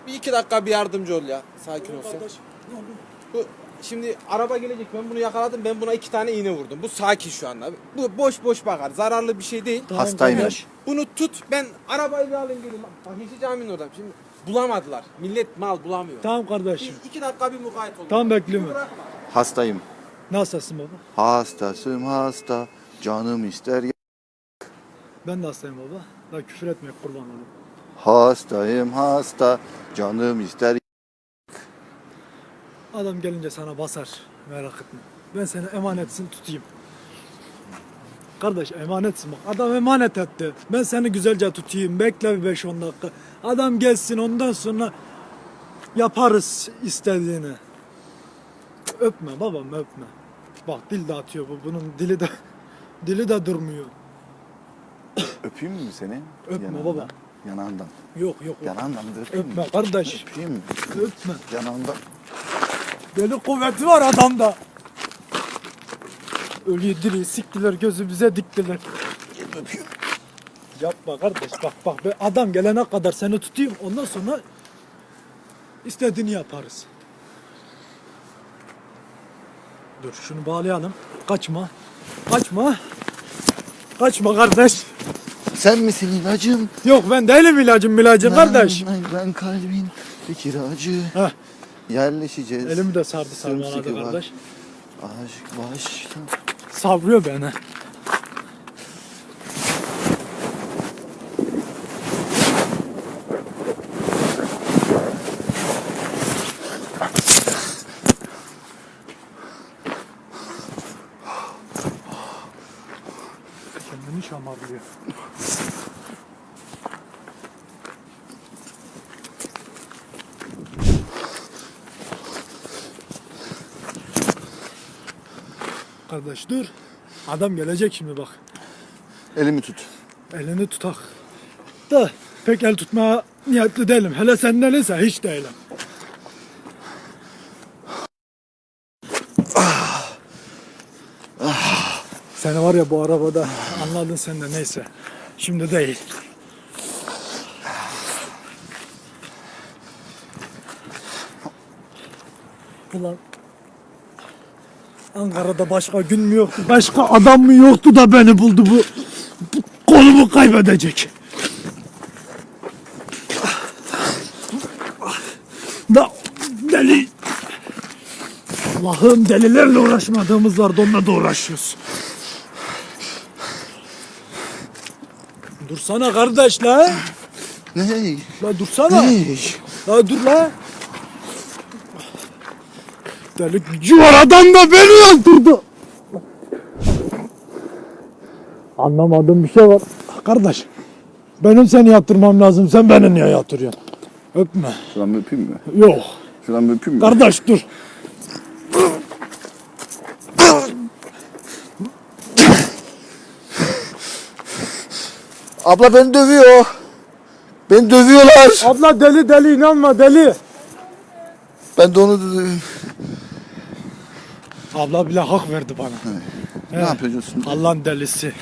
Bir 2 dakika bir yardımcı ol ya. Sakin ol sen. Bu, şimdi araba gelecek, ben bunu yakaladım, ben buna 2 tane iğne vurdum. Bu sakin şu anda. Bu boş boş bakar, zararlı bir şey değil. Hastaymış. Bunu tut, ben arabayı bir alayım geleyim. Bak Yeşil Cami'nin orada. Şimdi bulamadılar. Millet mal bulamıyor. Tamam kardeşim. 2 dakika bir mukayyet olun. Tamam, bekliyorum. Bırakma. Hastayım. Nasılsın baba? Hastasım hasta. Canım ister. Ben de hastayım baba. Daha küfür etmeye kurban olayım. Hastayım hasta. Canım ister. Adam gelince sana basar. Merak etme. Ben seni emanetsin tutayım. Kardeş emanetsin bak. Adam emanet etti. Ben seni güzelce tutayım. Bekle bir 5-10 dakika. Adam gelsin, ondan sonra yaparız istediğini. Öpme babam, öpme. Bak dil de atıyor bu. Bunun dili de durmuyor. Öpeyim mi seni? Öpme Yanağından. baba. Yanağından. Yok yok. Yanağından da öpeyim mi? Öpme kardeş. Öpeyim mi? Öpme. Yanağından. Deli kuvveti var adamda. Ölüyü diri siktiler, gözümüze diktiler. Öpeyim. Yapma kardeş, bak adam gelene kadar seni tutayım, ondan sonra istediğini yaparız. Dur şunu bağlayalım. Kaçma. Kaçma kardeş. Sen misin ilacım? Yok ben değilim ilacım kardeş. Ben kalbin bir kiracı. Heh. Yerleşeceğiz. Elimi de sardı sarmaladı Sımsıkı bak. kardeş. Aşk başta. Savrıyor beni. Kendini şamarlıyor. Kardeş dur. Adam gelecek şimdi bak. Elimi tut. Elini tutak. Da pek el tutmaya niyetli değilim. Hele sen değilse hiç değilim. Seni var ya bu arabada anladın sen de, neyse. Şimdi değil. Ulan Ankara'da başka gün mü yoktu, başka adam mı yoktu da beni buldu bu kolumu kaybedecek. Da deli. Allah'ım, delilerle uğraşmadığımız vardı, onunla da uğraşıyoruz. Dursana kardeş la. Ne? La dursana. Ne? La dur la. Deli gücü var adam da beni öldürdü. Anlamadığım bir şey var. Kardeş, benim seni yatırmam lazım. Sen beni niye yatırıyorsun? Öpme. Şuradan bir öpeyim mi? Yok. Şuradan bir öpeyim mi? Kardeş dur. Abla beni dövüyor. Beni dövüyorlar. Abla deli inanma deli. Ben de onu dövüyorum. Abla bile hak verdi bana. Ne yapıyorsun? Allah'ın delisi.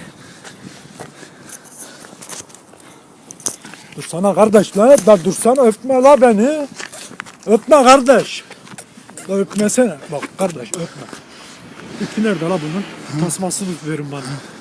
Dursana kardeş la. Da dursana, öpme la beni. Öpme kardeş. La öpmesene. Bak kardeş öpme. İpi nerede la bunun? Tasmasını verin bana.